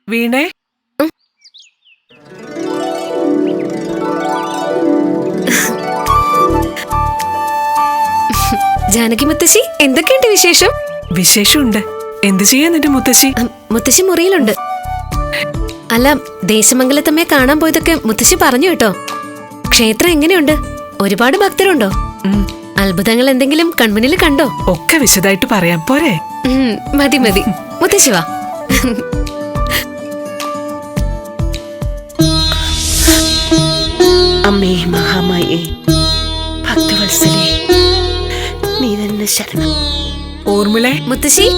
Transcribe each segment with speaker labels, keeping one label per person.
Speaker 1: വീണേ,
Speaker 2: ജാനകി മുത്തശ്ശി, എന്തൊക്കെയുണ്ട് വിശേഷം?
Speaker 1: വിശേഷമുണ്ട്. എന്ത് ചെയ്യാൻ നിന്റെ മുത്തശ്ശി?
Speaker 2: മുത്തശ്ശി മുറിയിലുണ്ട്. അല്ല, ദേശമംഗലത്തമ്മയെ കാണാൻ പോയതൊക്കെ മുത്തശ്ശി പറഞ്ഞു കേട്ടോ. ക്ഷേത്രം എങ്ങനെയുണ്ട്? ഒരുപാട് ഭക്തരുണ്ടോ? അത്ഭുതങ്ങൾ എന്തെങ്കിലും കൺമുന്നിൽ കണ്ടോ?
Speaker 1: ഒക്കെ വിശദമായിട്ട് പറയാം പോരെ?
Speaker 2: മതി മതി, മുത്തശ്ശി വാ.
Speaker 3: അമ്മേ മഹാമായേ, ഭക്തവത്സലേ, നീ തന്നെ ശരണം.
Speaker 1: ഊർമിളെ,
Speaker 2: മുത്തശ്ശി.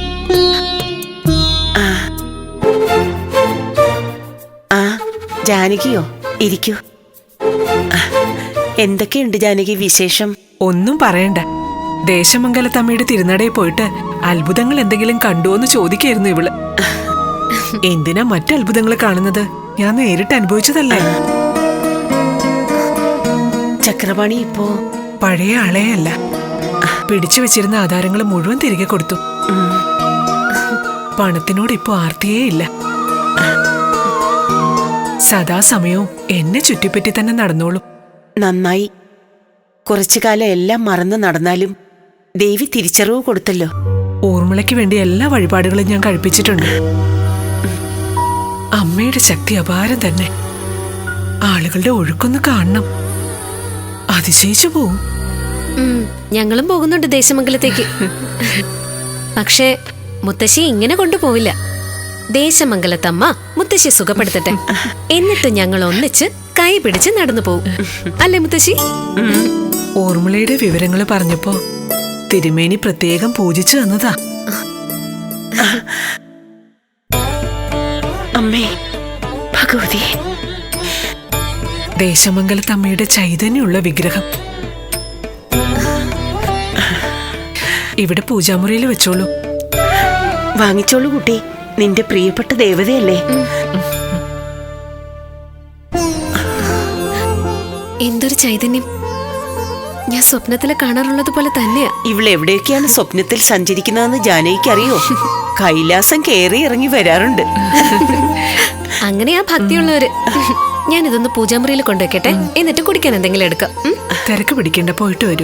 Speaker 3: ജാനകിയോ, ഇരിക്കൂ. എന്തൊക്കെയുണ്ട് ജാനകി വിശേഷം?
Speaker 1: ഒന്നും പറയണ്ട. ദേശമംഗലത്തമ്മയുടെ തിരുനടയിൽ പോയിട്ട് അത്ഭുതങ്ങൾ എന്തെങ്കിലും കണ്ടുവോന്ന് ചോദിക്കായിരുന്നു ഇവള്. എന്തിനാ മറ്റത്ഭുതങ്ങൾ കാണുന്നത്? ഞാൻ നേരിട്ട് അനുഭവിച്ചതല്ലേ.
Speaker 3: ചക്രപാണി ഇപ്പോ
Speaker 1: പഴയ ആളെയല്ല. പിടിച്ചു വെച്ചിരുന്ന ആധാരങ്ങൾ മുഴുവൻ തിരികെ കൊടുത്തു. പണത്തിനോട് ഇപ്പോ ആർത്തിയേ ഇല്ല. സദാസമയവും എന്നെ ചുറ്റിപ്പറ്റി തന്നെ നടന്നോളും.
Speaker 3: നന്നായി. കുറച്ചു കാലം എല്ലാം മറന്നു നടന്നാലും ദേവി തിരിച്ചറിവ് കൊടുത്തല്ലോ.
Speaker 1: ഊർമിളയ്ക്ക് വേണ്ടി എല്ലാ വഴിപാടുകളും ഞാൻ കഴിപ്പിച്ചിട്ടുണ്ട്. അമ്മയുടെ ശക്തി അപാരം തന്നെ. ആളുകളുടെ ഒഴുക്കൊന്ന് കാണണം. അതിശയിച്ചു പോവും.
Speaker 2: ഞങ്ങളും പോകുന്നുണ്ട് ദേശമംഗലത്തേക്ക്. പക്ഷേ മുത്തശ്ശി ഇങ്ങനെ കൊണ്ടുപോവില്ല. ദേശമംഗലത്തമ്മ മുത്തശ്ശി സുഖപ്പെടുത്തട്ടെ, എന്നിട്ട് ഞങ്ങൾ ഒന്നിച്ച് കൈ പിടിച്ച് നടന്നു പോകും. അല്ലേ മുത്തശ്ശി?
Speaker 1: ഊർമിളയുടെ വിവരങ്ങൾ പറഞ്ഞപ്പോ തിരുമേനി പ്രത്യേകം പൂജിച്ചു തന്നതാ.
Speaker 3: അമ്മേ ഭഗവതി,
Speaker 1: ദേശമംഗലത്തമ്മയുടെ ചൈതന്യമുള്ള വിഗ്രഹം ഇവിടെ പൂജാമുറിയിൽ വെച്ചോളൂ.
Speaker 3: വാങ്ങിച്ചോളൂ കുട്ടി, നിന്റെ പ്രിയപ്പെട്ട ദേവതയല്ലേ.
Speaker 2: എന്തൊരു ചൈതന്യം! ഞാൻ സ്വപ്നത്തില് കാണാറുള്ളത് പോലെ തന്നെയാ.
Speaker 3: ഇവളെവിടെയൊക്കെയാണ് സ്വപ്നത്തിൽ സഞ്ചരിക്കുന്നതെന്ന് ജാനകിക്ക് അറിയോ? കൈലാസം കേറി ഇറങ്ങി വരാറുണ്ട്.
Speaker 2: അങ്ങനെയാ ഭക്തിയുള്ളവര്. ഞാൻ ഇതൊന്ന് പൂജാമുറിയിൽ കൊണ്ടുവയ്ക്കട്ടെ, എന്നിട്ട് കുടിക്കാൻ എന്തെങ്കിലും എടുക്കാം.
Speaker 1: തിരക്ക് പിടിക്കേണ്ട, പോയിട്ട് വരൂ.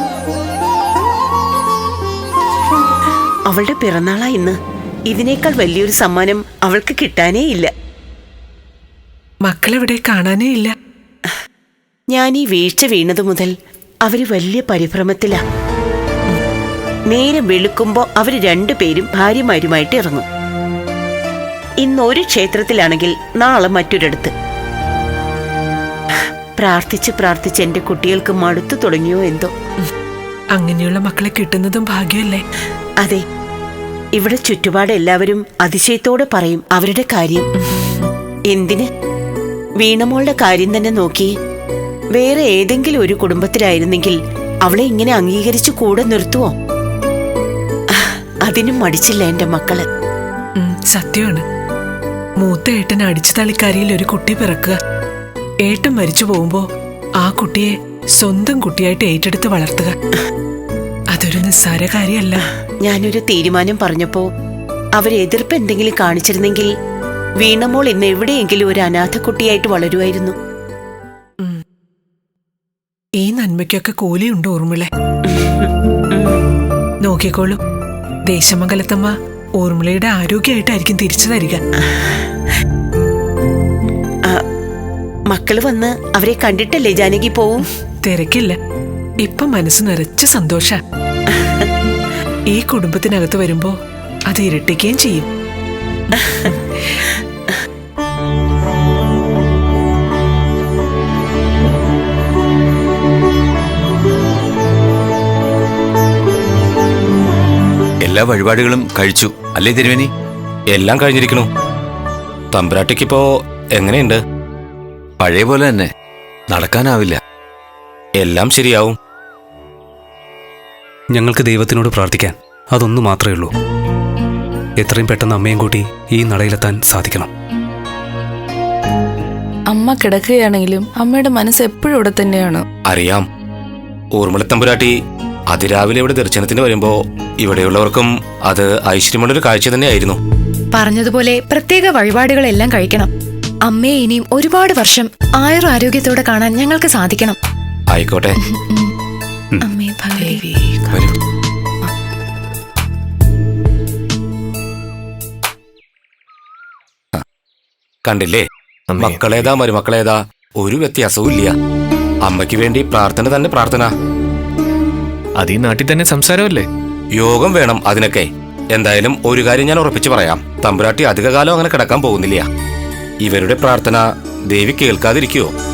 Speaker 3: അവളുടെ പിറന്നാളാ ഇന്ന്. ഇതിനേക്കാൾ വലിയൊരു സമ്മാനം അവൾക്ക് കിട്ടാനേ ഇല്ല.
Speaker 1: മക്കളെവിടെ? കാണാനേ ഇല്ല.
Speaker 3: ഞാൻ ഈ വീഴ്ച വീണതു മുതൽ അവര് വലിയ പരിഭ്രമത്തിലാ. നേരം വെളുക്കുമ്പോ അവര് രണ്ടുപേരും ഭാര്യമാരുമായിട്ട് ഇറങ്ങും. ഇന്നൊരു ക്ഷേത്രത്തിലാണെങ്കിൽ നാളെ മറ്റൊരിടത്ത്. പ്രാർത്ഥിച്ച് പ്രാർത്ഥിച്ച് എന്റെ കുട്ടികൾക്ക് മടുത്തു തുടങ്ങിയോ എന്തോ.
Speaker 1: അങ്ങനെയുള്ള മക്കളെ കിട്ടുന്നതും ഭാഗ്യമല്ലേ?
Speaker 3: അതെ, ഇവിടെ ചുറ്റുപാട് എല്ലാവരും അതിശയത്തോടെ പറയും അവരുടെ കാര്യം. എന്തിന്? വീണമോളുടെ കാര്യം തന്നെ നോക്കി. വേറെ ഏതെങ്കിലും ഒരു കുടുംബത്തിലായിരുന്നെങ്കിൽ അവളെ ഇങ്ങനെ അംഗീകരിച്ചു കൂടെ നിർത്തുവോ? അതിനും മടിച്ചില്ല എന്റെ മക്കള്.
Speaker 1: സത്യമാണ്. മൂത്ത ഏട്ടൻ അടിച്ചു തളിക്കാരിയിൽ ഒരു കുട്ടി പിറക്കുക. ഏട്ടൻ മരിച്ചു പോകുമ്പോ ആ കുട്ടിയെ സ്വന്തം കുട്ടിയായിട്ട് ഏറ്റെടുത്ത് വളർത്തുക, അതൊരു നിസ്സാര കാര്യമല്ല.
Speaker 3: ഞാനൊരു തീരുമാനം പറഞ്ഞപ്പോ അവരെതിർപ്പ് എന്തെങ്കിലും കാണിച്ചിരുന്നെങ്കിൽ വീണമോൾ ഇന്ന് എവിടെയെങ്കിലും ഒരു അനാഥ കുട്ടിയായിട്ട് വളരുമായിരുന്നു.
Speaker 1: ഈ നന്മയ്ക്കൊക്കെ കൂലിയുണ്ട് ഊർമിളെ. നോക്കിക്കോളൂ, ദേശമംഗലത്തമ്മ ഊർമിളയുടെ ആരോഗ്യമായിട്ടായിരിക്കും തിരിച്ചു തരിക.
Speaker 3: മക്കള് വന്ന് അവരെ കണ്ടിട്ടല്ലേ ജാനകി പോവും?
Speaker 1: തിരക്കില്ല, ഇപ്പൊ മനസ്സ് നിറച്ച് സന്തോഷ. ഈ കുടുംബത്തിനകത്ത് വരുമ്പോ അത് ഇരട്ടിക്കുകയും ചെയ്യും.
Speaker 4: എല്ലാ വഴിപാടുകളും കഴിച്ചു അല്ലേ തിരുവേനി?
Speaker 5: എല്ലാം കഴിഞ്ഞിരിക്കണു. തമ്പുരാട്ടിക്കിപ്പോ എങ്ങനെയുണ്ട്?
Speaker 4: പഴയ പോലെ തന്നെ. നടക്കാനാവില്ല.
Speaker 5: എല്ലാം ശരിയാവും.
Speaker 6: ഞങ്ങൾക്ക് ദൈവത്തിനോട് പ്രാർത്ഥിക്കാൻ അതൊന്നു മാത്രമേ ഉള്ളൂ. എത്രയും പെട്ടെന്ന് അമ്മയും കൂട്ടി ഈ നടയിലെത്താൻ സാധിക്കണം.
Speaker 7: അമ്മ കിടക്കുകയാണെങ്കിലും അമ്മയുടെ മനസ്സ് എപ്പോഴും ഇവിടെ തന്നെയാണ്.
Speaker 5: അറിയാം. ഊർമിളത്തമ്പുരാട്ടി അതിരാവിലെ ഇവിടെ ദർശനത്തിന് വരുമ്പോ ഇവിടെയുള്ളവർക്കും അത് ഐശ്വര്യമുള്ളൊരു കാഴ്ച തന്നെയായിരുന്നു.
Speaker 8: പറഞ്ഞതുപോലെ പ്രത്യേക വഴിപാടുകളെല്ലാം കഴിക്കണം. അമ്മയെ ഇനിയും ഒരുപാട് വർഷം ആയുരാരോഗ്യത്തോടെ കാണാൻ ഞങ്ങൾക്ക് സാധിക്കണം.
Speaker 5: ആയിക്കോട്ടെ.
Speaker 8: അമ്മേ ഭഗവതി.
Speaker 5: വരൂ. കണ്ടില്ലേ, മക്കളേതാ മരുമക്കളേതാ ഒരു വ്യത്യാസവും ഇല്ല. അമ്മയ്ക്ക് വേണ്ടി പ്രാർത്ഥന തന്നെ പ്രാർത്ഥന.
Speaker 9: അത് ഈ നാട്ടിൽ തന്നെ സംസാരമല്ലേ?
Speaker 5: യോഗം വേണം അതിനൊക്കെ. എന്തായാലും ഒരു കാര്യം ഞാൻ ഉറപ്പിച്ചു പറയാം, തമ്പുരാട്ടി അധികകാലം അങ്ങനെ കിടക്കാൻ പോകുന്നില്ല. ഇവരുടെ പ്രാർത്ഥന ദേവി കേൾക്കാതിരിക്കുവോ?